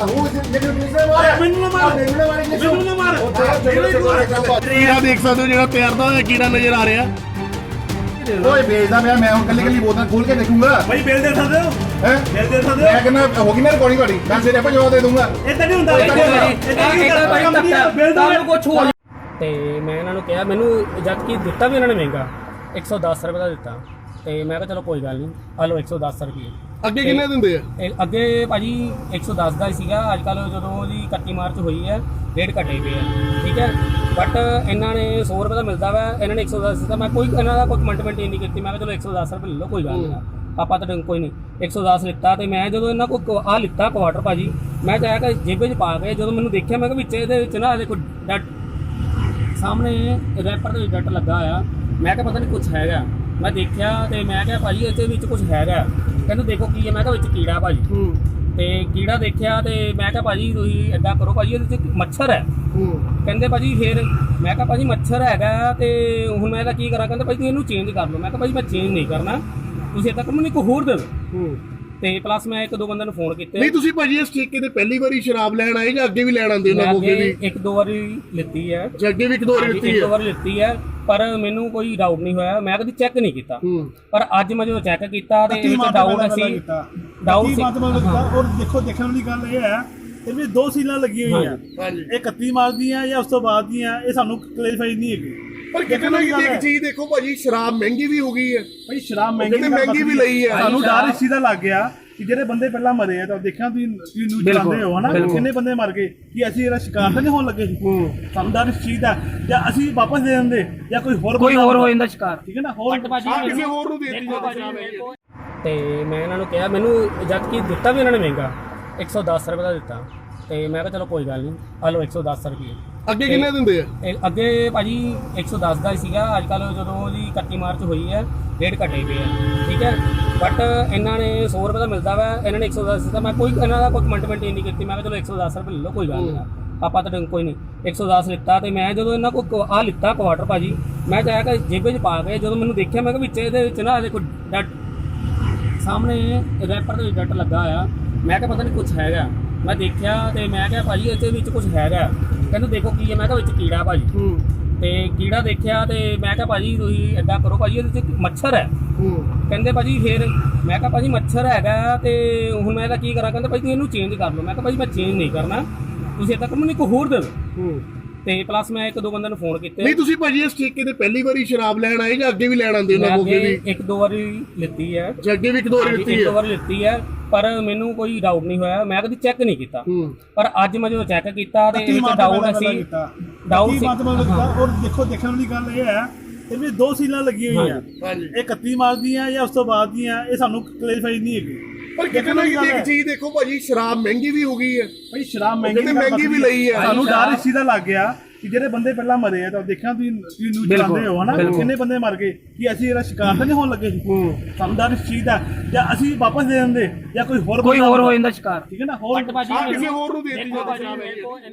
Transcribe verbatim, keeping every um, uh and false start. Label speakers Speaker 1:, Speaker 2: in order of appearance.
Speaker 1: ਕੀੜਾ ਦੇਖ ਸਕਦੇ ਹੋ ਜਿਹੜਾ ਤੈਰਦਾ ਹੋਇਆ ਕੀੜਾ ਨਜ਼ਰ ਆ ਰਿਹਾ।
Speaker 2: ਓਏ ਵੇਚਦਾ ਪਿਆ ਮੈਂ ਹੁਣ ਕੱਲੀ ਕੱਲੀ ਬੋਤਲ ਖੋਲ ਕੇ ਦੇਖੂੰਗਾ।
Speaker 3: ਭਾਈ ਬਿੱਲ ਦੇ ਸਕਦੇ ਹੋ?
Speaker 2: ਹੈ
Speaker 3: ਬਿੱਲ ਦੇ ਸਕਦੇ ਹੋ?
Speaker 2: ਮੈਂ ਕਹਿੰਦਾ ਹੋ ਗਈ ਨਾ ਰਿਕਾਰਡਿੰਗ ਤੁਹਾਡੀ, ਮੈਂ ਸਿਰੇ ਆਪਾਂ ਜਵਾਬ ਦੇ ਦੂੰਗਾ।
Speaker 3: ਇਦਾਂ ਨਹੀਂ ਹੁੰਦਾ, ਇਦਾਂ ਨਹੀਂ ਹੁੰਦਾ। ਬਿੱਲ
Speaker 4: ਤੁਹਾਨੂੰ ਕੁਝ ਹੋ ਤੇ ਮੈਂ ਇਹਨਾਂ ਨੂੰ ਕਿਹਾ, ਮੈਨੂੰ ਜਦ ਕਿ ਦਿੱਤਾ ਵੀ ਇਹਨਾਂ ਨੇ ਮਹਿੰਗਾ ਇੱਕ ਸੌ ਦਸ ਰੁਪਏ ਦਾ ਦਿੱਤਾ ਤੇ ਮੈਂ ਕਿਹਾ ਚਲੋ ਕੋਈ ਗੱਲ ਨਹੀਂ ਆ ਲਓ ਇੱਕ ਸੌ ਦਸ ਰੁਪਏ।
Speaker 1: ਅੱਗੇ ਕਿੰਨੇ ਦਿੰਦੇ ਆ?
Speaker 4: ਇਹ ਅੱਗੇ ਭਾਜੀ ਇੱਕ ਸੌ ਦਸ ਦਾ ਹੀ ਸੀਗਾ, ਅੱਜ ਕੱਲ੍ਹ ਜਦੋਂ ਉਹਦੀ ਇਕੱਤੀ ਮਾਰਚ ਹੋਈ ਹੈ ਰੇਟ ਘਟੇ ਪਏ ਆ, ਠੀਕ ਹੈ। ਬਟ ਇਹਨਾਂ ਨੇ ਸੌ ਰੁਪਏ ਦਾ ਮਿਲਦਾ ਵਾ, ਇਹਨਾਂ ਨੇ ਇੱਕ ਸੌ ਦਸ ਦਿੱਤਾ। ਮੈਂ ਕੋਈ ਇਹਨਾਂ ਦਾ ਕੋਈ ਕਮੈਂਟਮੈਂਟ ਨਹੀਂ ਕੀਤੀ, ਮੈਂ ਕਿਹਾ ਚਲੋ ਇੱਕ ਸੌ ਦਸ ਰੁਪਏ ਲੈ ਲਓ ਕੋਈ ਗੱਲ ਨਹੀਂ, ਆਪਾਂ ਤਾਂ ਕੋਈ ਨਹੀਂ। ਇੱਕ ਸੌ ਦਸ ਲਿੱਤਾ ਤੇ ਮੈਂ ਜਦੋਂ ਇਹਨਾਂ ਕੋਲ ਆਹ ਲਿੱਤਾ ਕੁਆਟਰ ਭਾਜੀ, ਮੈਂ ਚਾਹਿਆ ਕਿ ਜੇਬੇ 'ਚ ਪਾ ਕੇ ਜਦੋਂ ਮੈਨੂੰ ਦੇਖਿਆ ਮੈਂ ਕਿਹਾ ਵਿੱਚ ਇਹਦੇ ਵਿੱਚ ਨਾ ਦੇਖੋ ਡੱਟ ਸਾਹਮਣੇ ਰੈਪਰ ਦੇ ਵਿੱਚ ਡੱਟ ਲੱਗਾ ਆ। ਮੈਂ ਕਿਹਾ ਪਤਾ ਨਹੀਂ ਕੁਛ ਹੈਗਾ, ਮੈਂ ਦੇਖਿਆ ਤੇ ਮੈਂ ਕਿਹਾ ਭਾਜੀ ਇਹਦੇ ਵਿੱਚ ਕੁਛ ਹੈਗਾ। ਕਹਿੰਦੇ ਦੇਖੋ ਕੀ ਹੈ, ਮੈਂ ਕਿਹਾ ਵਿੱਚ ਕੀੜਾ ਭਾਜੀ। ਤੇ ਕੀੜਾ ਦੇਖਿਆ ਤੇ ਮੈਂ ਕਿਹਾ ਭਾਜੀ ਤੁਸੀਂ ਏਦਾਂ ਕਰੋ ਭਾਜੀ ਇਹਦੇ 'ਚ ਮੱਛਰ ਹੈ। ਕਹਿੰਦੇ ਭਾਜੀ ਫਿਰ ਮੈਂ ਕਿਹਾ ਭਾਜੀ ਮੱਛਰ ਹੈਗਾ ਤੇ ਹੁਣ ਮੈਂ ਇਹਦਾ ਕੀ ਕਰਾਂ? ਕਹਿੰਦੇ ਭਾਜੀ ਤੁਸੀਂ ਇਹਨੂੰ ਚੇਂਜ ਕਰ ਲਓ। ਮੈਂ ਕਿਹਾ ਭਾਜੀ ਮੈਂ ਚੇਂਜ ਨਹੀਂ ਕਰਨਾ, ਤੁਸੀਂ ਏਦਾਂ ਕਰੋ ਮੈਨੂੰ ਇੱਕ ਹੋਰ ਦੇ ਦਿਓ। ਤੇ ਪਲੱਸ ਮੈਂ ਇੱਕ ਦੋ ਬੰਦਿਆਂ ਨੂੰ ਫੋਨ ਕੀਤੇ।
Speaker 1: ਨਹੀਂ ਤੁਸੀਂ ਭਾਜੀ ਇਸ ਠੇਕੇ ਤੇ ਪਹਿਲੀ ਵਾਰੀ ਸ਼ਰਾਬ ਲੈਣ ਆਏ ਜਾਂ ਅੱਗੇ ਵੀ ਲੈਣ ਆਉਂਦੇ ਉਹਨਾਂ ਕੋਲ? ਵੀ
Speaker 4: ਇੱਕ ਦੋ ਵਾਰੀ ਲਿੱਤੀ ਹੈ
Speaker 1: ਜਾਂ ਅੱਗੇ ਵੀ ਇੱਕ ਦੋ ਵਾਰੀ ਲਿੱਤੀ ਹੈ?
Speaker 4: ਇੱਕ ਦੋ ਵਾਰੀ ਲਿੱਤੀ ਹੈ, ਪਰ ਮੈਨੂੰ ਕੋਈ ਡਾਊਟ ਨਹੀਂ ਹੋਇਆ, ਮੈਂ ਕਦੀ ਚੈੱਕ ਨਹੀਂ ਕੀਤਾ। ਪਰ ਅੱਜ ਮੈਂ ਜਦੋਂ ਚੈੱਕ ਕੀਤਾ ਤੇ ਇੱਕ ਡਾਊਟ ਸੀ, ਡਾਊਟ ਸੀ।
Speaker 3: ਔਰ ਦੇਖੋ ਦੇਖਣ ਵਾਲੀ ਗੱਲ ਇਹ ਹੈ ਇਹ ਵੀ ਦੋ ਸੀਲਾਂ ਲੱਗੀਆਂ ਹੋਈਆਂ, ਇਹ ਇਕੱਤੀ ਮਾਰਚ ਦੀਆਂ ਜਾਂ ਉਸ ਤੋਂ ਬਾਅਦ ਦੀਆਂ, ਇਹ ਸਾਨੂੰ ਕਲੈਰੀਫਾਈ ਨਹੀਂ ਹੈਗੀ।
Speaker 1: ਪਰ ਕਿਤੇ ਨਾ ਕਿਤੇ ਇੱਕ ਚੀਜ਼ ਦੇਖੋ ਭਾਜੀ, ਸ਼ਰਾਬ ਮਹਿੰਗੀ ਵੀ ਹੋ ਗਈ ਹੈ।
Speaker 3: ਭਾਈ ਸ਼ਰਾਬ ਮਹਿੰਗੀ
Speaker 1: ਮਹਿੰਗੀ ਵੀ ਲਈ ਹੈ।
Speaker 3: ਸਾਨੂੰ ਡਰ ਇਸ ਚੀਜ਼ ਦਾ ਲੱਗ ਗਿਆ ਕਿ ਜਿਹੜੇ ਬੰਦੇ ਪਹਿਲਾਂ ਮਰੇ ਆ ਤਾਂ ਦੇਖਿਆ ਤੁਸੀਂ ਤੁਸੀਂ ਨਿਊਜ਼ ਚਲਾਉਂਦੇ ਹੋ ਹਨਾ, ਕਿੰਨੇ ਬੰਦੇ ਮਰ ਗਏ ਕਿ ਅਸੀਂ ਇਹਦਾ ਸ਼ਿਕਾਰ ਤਾਂ ਨਹੀਂ ਹੋਣ ਲੱਗੇ ਸੀ। ਸਾਨੂੰ ਡਰ ਇਸ ਚੀਜ਼ ਦਾ, ਜਾਂ ਅਸੀਂ ਵਾਪਸ ਦੇ ਦਿੰਦੇ ਜਾਂ ਕੋਈ ਹੋਰ
Speaker 4: ਕੋਈ ਹੋਰ ਹੋ ਜਾਂਦਾ ਸ਼ਿਕਾਰ,
Speaker 3: ਠੀਕ ਹੈ ਨਾ। ਹੋਰ
Speaker 1: ਕਿਸੇ ਹੋਰ ਨੂੰ ਦੇ ਦਿੱਤੀ
Speaker 4: ਤੇ ਮੈਂ ਇਹਨਾਂ ਨੂੰ ਕਿਹਾ, ਮੈਨੂੰ ਜਦ ਕਿ ਦਿੱਤਾ ਵੀ ਇਹਨਾਂ ਨੇ ਮਹਿੰਗਾ ਇੱਕ ਸੌ ਦਸ ਰੁਪਏ ਦਾ ਦਿੱਤਾ ਤੇ ਮੈਂ ਕਿਹਾ ਚਲੋ ਕੋਈ ਗੱਲ ਨਹੀਂ ਆ ਲਓ ਇੱਕ ਸੌ ਦਸ ਰੁਪਏ।
Speaker 1: ਅੱਗੇ ਕਿੰਨੇ ਦਿੰਦੇ ਆ?
Speaker 4: ਇਹ ਅੱਗੇ ਭਾਜੀ ਇੱਕ ਸੌ ਦਸ ਦਾ ਹੀ ਸੀਗਾ, ਅੱਜ ਕੱਲ੍ਹ ਜਦੋਂ ਉਹਦੀ ਇਕੱਤੀ ਮਾਰਚ ਹੋਈ ਹੈ ਰੇਟ ਘਟੇ ਪਏ ਆ, ਠੀਕ ਹੈ। ਬਟ ਇਹਨਾਂ ਨੇ ਸੌ ਰੁਪਏ ਦਾ ਮਿਲਦਾ ਵਾ, ਇਹਨਾਂ ਨੇ ਇੱਕ ਸੌ ਦਸ ਦਿੱਤਾ। ਮੈਂ ਕੋਈ ਇਹਨਾਂ ਦਾ ਕੋਈ ਕਮੈਂਟਮੈਂਟ ਨਹੀਂ ਕੀਤੀ, ਮੈਂ ਕਿਹਾ ਚਲੋ ਇੱਕ ਸੌ ਦਸ ਰੁਪਏ ਲੈ ਲਓ ਕੋਈ ਗੱਲ ਨਹੀਂ, ਆਪਾਂ ਤਾਂ ਕੋਈ ਨਹੀਂ। ਇੱਕ ਸੌ ਦਸ ਲਿੱਤਾ ਤੇ ਮੈਂ ਜਦੋਂ ਇਹਨਾਂ ਕੋਲ ਆਹ ਲਿੱਤਾ ਕੁਆਟਰ ਭਾਜੀ, ਮੈਂ ਚਾਹਿਆ ਕਿ ਜੇਬੇ 'ਚ ਪਾ ਕੇ ਜਦੋਂ ਮੈਨੂੰ ਦੇਖਿਆ ਮੈਂ ਕਿਹਾ ਵਿੱਚ ਇਹਦੇ ਵਿੱਚ ਨਾ ਦੇਖੋ ਡੱਟ ਸਾਹਮਣੇ ਰੈਪਰ ਦੇ ਵਿੱਚ ਡੱਟ ਲੱਗਾ ਆ। ਮੈਂ ਕਿਹਾ ਪਤਾ ਨਹੀਂ ਕੁਛ ਹੈਗਾ, ਮੈਂ ਦੇਖਿਆ ਤੇ ਮੈਂ ਕਿਹਾ ਭਾਜੀ ਇਹਦੇ ਵਿੱਚ ਕੁਛ ਹੈਗਾ। ਕਹਿੰਦੇ ਦੇਖੋ ਕੀ ਹੈ, ਮੈਂ ਕਿਹਾ ਵਿੱਚ ਕੀੜਾ ਭਾਜੀ। ਤੇ ਕੀੜਾ ਦੇਖਿਆ ਤੇ ਮੈਂ ਕਿਹਾ ਭਾਜੀ ਤੁਸੀਂ ਏਦਾਂ ਕਰੋ ਭਾਜੀ ਇਹਦੇ 'ਚ ਮੱਛਰ ਹੈ। ਕਹਿੰਦੇ ਭਾਜੀ ਫਿਰ ਮੈਂ ਕਿਹਾ ਭਾਜੀ ਮੱਛਰ ਹੈਗਾ ਤੇ ਹੁਣ ਮੈਂ ਇਹਦਾ ਕੀ ਕਰਾਂ? ਕਹਿੰਦੇ ਭਾਜੀ ਤੁਸੀਂ ਇਹਨੂੰ ਚੇਂਜ ਕਰ ਲਓ। ਮੈਂ ਕਿਹਾ ਭਾਜੀ ਮੈਂ ਚੇਂਜ ਨਹੀਂ ਕਰਨਾ, ਤੁਸੀਂ ਏਦਾਂ ਕਰੋ ਮੈਨੂੰ ਇੱਕ ਹੋਰ ਦੇ ਦਿਓ। ਤੇ ਪਲੱਸ ਮੈਂ ਇੱਕ ਦੋ ਬੰਦਿਆਂ ਨੂੰ ਫੋਨ ਕੀਤੇ।
Speaker 1: ਨਹੀਂ ਤੁਸੀਂ ਭਾਜੀ ਇਸ ਠੇਕੇ ਤੇ ਪਹਿਲੀ ਵਾਰੀ ਸ਼ਰਾਬ ਲੈਣ ਆਏ ਜਾਂ ਅੱਗੇ ਵੀ ਲੈਣ ਆਉਂਦੇ ਉਹਨਾਂ ਕੋਲ? ਵੀ
Speaker 4: ਇੱਕ ਦੋ ਵਾਰੀ ਲਿੱਤੀ ਹੈ।
Speaker 1: ਜਾਂ ਅੱਗੇ ਵੀ ਇੱਕ ਦੋ ਵਾਰੀ ਲਿੱਤੀ ਹੈ?
Speaker 4: ਇੱਕ ਦੋ ਵਾਰੀ ਲਿੱਤੀ ਹੈ, ਪਰ ਮੈਨੂੰ ਕੋਈ ਡਾਊਟ ਨਹੀਂ ਹੋਇਆ, ਮੈਂ ਕਦੀ ਚੈੱਕ ਨਹੀਂ ਕੀਤਾ। ਪਰ ਅੱਜ ਮੈਂ ਜਦੋਂ ਚੈੱਕ ਕੀਤਾ ਤੇ ਇੱਕ ਡਾਊਟ ਸੀ, ਡਾਊਟ ਸੀ।
Speaker 3: ਔਰ ਦੇਖੋ ਦੇਖਣ ਵਾਲੀ ਗੱਲ ਇਹ ਹੈ ਇਹ ਵੀ ਦੋ ਸੀਲਾਂ ਲੱਗੀਆਂ ਹੋਈਆਂ, ਇਹ ਇਕੱਤੀ ਮਾਰਚ ਦੀਆਂ ਜਾਂ ਉਸ ਤੋਂ ਬਾਅਦ ਦੀਆਂ, ਇਹ ਸਾਨੂੰ ਕਲੈਰੀਫਾਈ ਨਹੀਂ ਹੈਗੀ।
Speaker 1: ਪਰ ਕਿਤੇ ਨਾ ਕਿਤੇ ਇੱਕ ਚੀਜ਼ ਦੇਖੋ ਭਾਜੀ, ਸ਼ਰਾਬ ਮਹਿੰਗੀ ਵੀ ਹੋ ਗਈ ਹੈ।
Speaker 3: ਭਾਈ ਸ਼ਰਾਬ ਮਹਿੰਗੀ
Speaker 1: ਮਹਿੰਗੀ ਵੀ ਲਈ ਹੈ।
Speaker 3: ਸਾਨੂੰ ਡਰ ਇਸ ਚੀਜ਼ ਦਾ ਲੱਗ ਗਿਆ ਕਿ ਜਿਹੜੇ ਬੰਦੇ ਪਹਿਲਾਂ ਮਰੇ ਆ ਤਾਂ ਦੇਖਿਆ ਤੁਸੀਂ ਤੁਸੀਂ ਨਿਊਜ਼ ਚਲਾਉਂਦੇ ਹੋ ਹਨਾ, ਕਿੰਨੇ ਬੰਦੇ ਮਰ ਗਏ ਕਿ ਅਸੀਂ ਇਹਦਾ ਸ਼ਿਕਾਰ ਤਾਂ ਨਹੀਂ ਹੋਣ ਲੱਗੇ ਸੀ। ਸਾਨੂੰ ਡਰ ਇਸ ਚੀਜ਼ ਦਾ, ਜਾਂ ਅਸੀਂ ਵਾਪਸ ਦੇ ਦਿੰਦੇ ਜਾਂ ਕੋਈ ਹੋਰ
Speaker 4: ਕੋਈ ਹੋਰ ਹੋ ਜਾਂਦਾ ਸ਼ਿਕਾਰ,
Speaker 3: ਠੀਕ ਹੈ ਨਾ। ਹੋਰ
Speaker 1: ਕਿਸੇ ਹੋਰ ਨੂੰ ਦੇ ਦਿੱਤੀ।